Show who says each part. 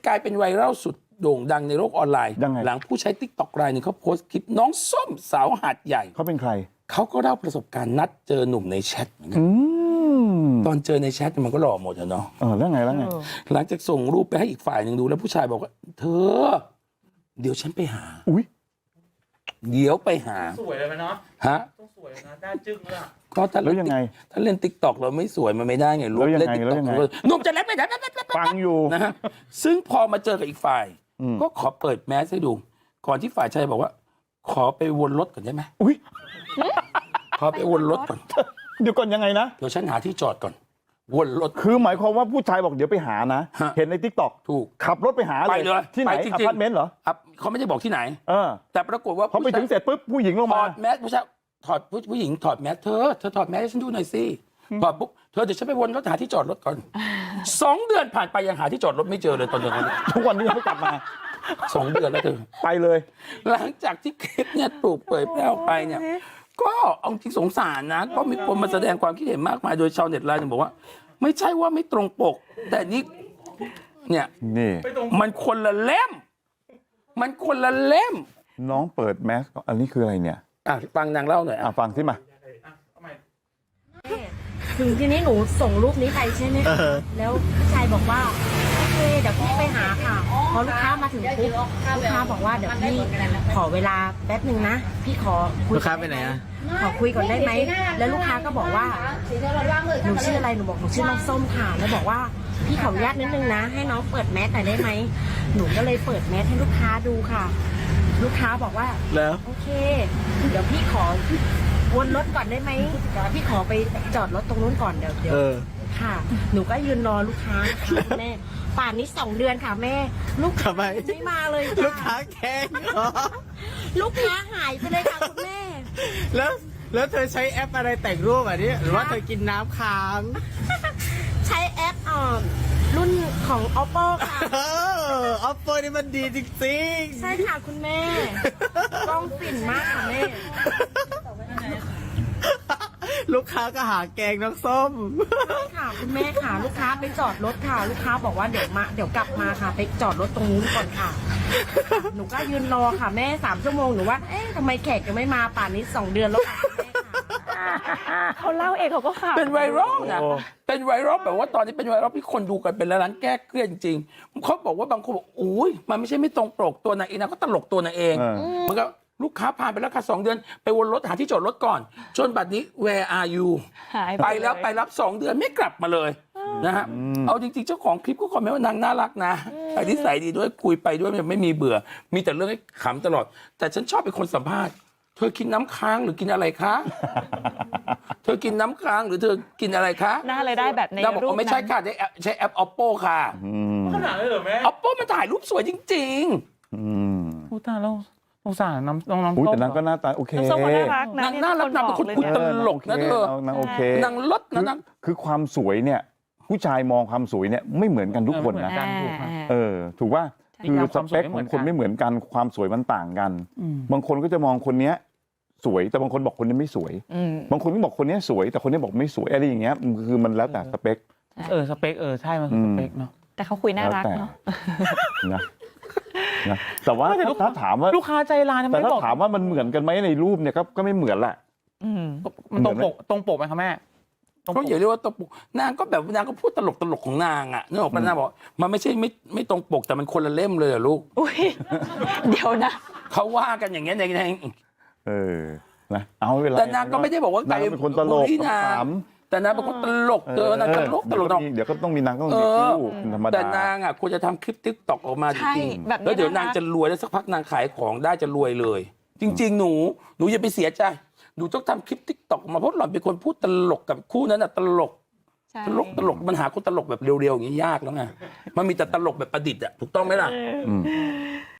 Speaker 1: กลายเป็นไวรัลสุดโด่งดังในโลกออนไลน์
Speaker 2: ยังไง
Speaker 1: หลังผู้ใช้ TikTok รายหนึ่งเขาโพสต์คลิปน้องส้มสาวหาดใหญ่
Speaker 2: เขาเป็นใคร
Speaker 1: เขาก็เล่าประสบการณ์นัดเจอหนุ่มในแชทเหมือนกัน
Speaker 2: อืม
Speaker 1: ตอนเจอในแชทมันก็หล่อหมดอะเนาะ
Speaker 2: แล้วไง
Speaker 1: หลังจากส่งรูปไปให้อีกฝ่ายหนึ่งดูแล้วผู้ชายบอกว่า เธอ เดี๋ยวฉันไปหา
Speaker 2: อุ้ย
Speaker 1: เดี๋ยวไปหา
Speaker 3: สวยเลยไหมเนาะ
Speaker 1: ฮะ
Speaker 3: ต้องสวยเลยนะหน้าจึ้งเลยอะ
Speaker 1: ก็ถ้า
Speaker 2: แล้วยังไง
Speaker 1: ถ้าเล่น TikTok เราไม่สวยมันไม่ได้ไงรูป
Speaker 2: แล้วยังไง
Speaker 1: เล่น TikTok
Speaker 2: แล้วยังไง
Speaker 1: หนุ่มจะเล่นไม่ได้
Speaker 2: ฟังอยู่
Speaker 1: นะฮะซึ่งพอมาเจอกับอีกฝ่าย
Speaker 2: อืม
Speaker 1: ก็ขอเปิดแมสให้ดู ก่อนที่ฝ่ายชายบอกว่า ขอไปวนรถก่อนได้ไหม
Speaker 2: อุ้ย
Speaker 1: ขอไปวนรถก่อน
Speaker 2: เดี๋ยวก่อนยังไงนะ
Speaker 1: เดี๋ยวฉันหาที่จอดก่อน วนรถ
Speaker 2: คือหมายความว่าผู้ชายบอกเดี๋ยวไปหานะ
Speaker 1: ฮะ
Speaker 2: เห็นในทิกตอก
Speaker 1: ถูก
Speaker 2: ขับรถไปหา
Speaker 1: ไปเลย
Speaker 2: ที่ไหน
Speaker 1: ไปจริงๆ
Speaker 2: อพาร์ตเมนต์เหรอ
Speaker 1: อ่ะเขาไม่ได้บอกที่ไหน
Speaker 2: เออ
Speaker 1: แต่ปรากฏว่า
Speaker 2: พอไปถึงเสร็จปุ๊บผู้หญิงลง
Speaker 1: ถ
Speaker 2: มา
Speaker 1: อดแมสผู้ชายถอดผู้หญิงถอดแมสเธอถอดแมสให้ฉันดูหน่อยสิถอดปุ๊บเธอเดี๋ยวฉันไปวนรถหาที่จอดรถก่อน 2 เดือนผ่านไปยังหาที่จอดรถไม่เจอเลยตอนเดือนนั้น
Speaker 2: ทุกวันนี้ยังไม่กลับมา
Speaker 1: 2 เดือนแล้วเธอ
Speaker 2: ไปเลย
Speaker 1: หลังจากที่คลิปเนี่ยถูกเผยแพร่ออกไปเนี่ย ก็เอาจริงสงสารนะ ก็มีคนมาแสดงความคิดเห็นมากมายโดยชาวเน็ตรายหนึ่งบอกว่า ไม่ใช่ว่าไม่ตรงปก แต่นี่เนี่ย
Speaker 2: นี่
Speaker 1: มันคนละเล่ม มันคนละเล่ม
Speaker 2: น้องเปิดแมสก่อนอันนี้คืออะไรเนี่ย
Speaker 1: อ่ะฟังนางเล่าหน่อยอ่ะ
Speaker 2: ฟังสิมา
Speaker 3: เอาใหม่
Speaker 4: ถึงทีนี้หนูส่งรูปนี้ไปใช่ไหมคะแล้วผู้ชายบอกว่าโอเคเดี๋ยวพี่ไปหาค่ะพอลูกค้ามาถึงปุ๊บลูกค้าบอกว่าเดี๋ยวพี่ขอเวลาแป๊บหนึ่งนะพี่ขอคุย
Speaker 3: ลูกค้าไปไหนอะ
Speaker 4: ขอคุยก่อนได้ไหมแล้วลูกค้าก็บอกว่าหนูชื่ออะไรหนูบอกหนูชื่อน้องส้มค่ะแล้วบอกว่าพี่ขออนุญาตนิดนึงนะ ให้น้องเปิดแมสหน่อยได้ไหมหนูก็เลยเปิดแมสให้ลูกค้าดูค่ะ ลูกค้าบอกว่า
Speaker 3: แล้ว
Speaker 4: โอเค เดี๋ยวพี่ขอวนรถก่อนได้ไหมเดี๋ยวพี่ขอไปจอดรถตรงนู้นก่อนเดี๋ยวค่ะ หนูก็ยืนรอลูกค้าค่ะแม่ ป่านนี้2 เดือนค่ะแม่ ลูกค้าไม่มาเลยจ้ะ
Speaker 3: ลูกค้าแข่งเหรอ
Speaker 4: ลูกค้าหายไปเลยค่ะคุณแม่
Speaker 3: แล้วเธอใช้แอปอะไรแต่งรูปอ่ะนี่หรือว่าเธอกินน้ำค้าง
Speaker 4: ใช้แอปรุ่นของ oppo ค่ะ
Speaker 3: ออฟโฟนี่มันดีจริงๆ
Speaker 4: ใช่ค่ะคุณแม่ กล้องฝิ่นมากค่ะแม่
Speaker 3: ลูกค้าก็หาแกงน้ำส้ม
Speaker 4: ใช่ค่ะคุณแม่ค่ะ ลูกค้าไปจอดรถค่ะ ลูกค้าบอกว่าเดี๋ยวกลับมาค่ะ ไปจอดรถตรงนู้นก่อนค่ะ หนูก็ยืนรอค่ะแม่3 ชั่วโมงหนูว่าเอ๊ะทำไมแขกยังไม่มาป่านนี้2 เดือนแล้วค่ะคุณแม่ค่ะ
Speaker 5: เขาเล่าเองเขาก็ขำ
Speaker 1: เป็นไวรัลนะ
Speaker 2: โอ้
Speaker 1: เป็นไวรัลแบบว่าตอนนี้เป็นไวรัลที่คนดูกันเป็นล้านแก้เครียดจริงๆเขาบอกว่าบางคนบอกอุ้ยมันไม่ใช่ไม่ตรงปกตัวนางเองนะก็ตลกตัวนางเอง
Speaker 2: เออ
Speaker 1: มันก็ลูกค้าผ่านไปแล้วค่ะ2 เดือนไปวนรถหาที่จอดรถก่อนจนบัดนี้ where are you
Speaker 5: หาย
Speaker 1: ไปแล้ว
Speaker 5: เย
Speaker 1: ไปรับ2 เดือนไม่กลับมาเลยนะฮะเอาจริงๆเจ้าของคลิปก็คอมเมนต์ว่านางน่ารักนะนิสัยดีด้วยคุยไปด้วยไม่มีเบื่อ มีแต่เรื่องให้ขำตลอด แต่ฉันชอบเป็นคนสัมภาษณ์เธอกินน้ำค้างหรือกินอะไรคะ เธอกินน้ำค้างหรือเธอกินอะไรคะ
Speaker 5: หน้าเลยได้แบบใน
Speaker 1: นางบอก
Speaker 5: รูป
Speaker 1: ว่าไม่ใช่
Speaker 5: นั้น
Speaker 1: ค่ะใช้แอป oppo ค่ะ
Speaker 3: ขนาดเลยเหรอแม่
Speaker 1: oppo มันถ่ายรูปสวยจริง
Speaker 3: พูดตาแล้วสงสารน้อง
Speaker 2: อุ้ย
Speaker 3: ส้ม
Speaker 2: แต่นางก็หน้าตาโอเค
Speaker 5: น้ำส้มก็น่ารัก
Speaker 1: ๆ
Speaker 5: นะ
Speaker 1: นางน่ารักนางเป็นคนพูดตลกนะเธอ
Speaker 2: นางโอเค
Speaker 1: นางลดนะนาง
Speaker 2: คือความสวยเนี่ย ผู้ชายมองความสวยเนี่ยไม่เหมือนกันทุกคนนะ
Speaker 3: กันถูกครับ
Speaker 2: ถูกว่า
Speaker 3: ใช่
Speaker 2: คือ
Speaker 3: ครับ
Speaker 2: สเปคของคนไม่เหมือนกันความสวยมันต่างกัน บางคนก็จะมองคนเนี้ยสวยแต่บางคนบอกคนนี้ไม่สวย บางคนก็บอกคนเนี้ยสวยแต่คนนี้บอกไม่สวยอะไรอย่างเงี้ยคือมันแล้วแต่สเปค
Speaker 3: สเปคใช่มันคือสเปคเนาะ
Speaker 5: แต่เขาคุยน่ารักเนาะ
Speaker 2: นะนะแต่ว่าถ้าถามว่า
Speaker 3: ลูกค้าใจร้ายทำไม
Speaker 2: แต่ถ้า
Speaker 3: บอก
Speaker 2: ถามว่ามันเหมือนกันไหมในรูปเนี่ยก็ไม่เหมือนแหละ
Speaker 3: มันตรงปกไหมคะแม่ตรงป
Speaker 1: ก็
Speaker 3: ก
Speaker 1: อย่าเรียกว่าตรงปกนางก็แบบนางก็พูดตลกของนางอ่ะนึกออกปะนางบอกมันไม่ใช่ไม่ตรงปกแต่มันคนละเล่มเลยเหรอลูก
Speaker 5: อุ้ยเดี๋ยวนะ
Speaker 1: เขาว่ากันอย่างเงี้ยใน
Speaker 2: นะเอาไม่เป็นไร
Speaker 1: แต่นางก็ไม่ได้บอกว่า
Speaker 2: นางเป็นคนตลก
Speaker 1: บูลลี่นาง
Speaker 2: ขำ
Speaker 1: แต่นางเป็นคนตลกเธอนางตลก
Speaker 2: เดี๋ยวก็ต้องมีนางต้องมีคู่ธรรมดา
Speaker 1: แต่นางอ่ะควรจะทำคลิปติ๊กต็อกออกมาจ
Speaker 5: ใช่
Speaker 1: ริง
Speaker 5: แบบนี้
Speaker 1: แล้วเดี๋ยว
Speaker 5: นะคะ
Speaker 1: นางจะรวยแล้วสักพักนางขายของได้จะรวยเลย จริง ๆ หนูอย่าไปเสียใจหนูต้องทำคลิปติ๊กต็อกมาเพราะหล่อนเป็นคนพูดตลกกับคู่นั้นอ่ะตลก
Speaker 5: ใช่
Speaker 1: ตลกมันหาคนตลกแบบเร็วๆอย่างนี้ยากแล้วไงมันมีแต่ตลกแบบประดิษฐ์อ่ะถูกต้องไหมล่ะ
Speaker 2: อืม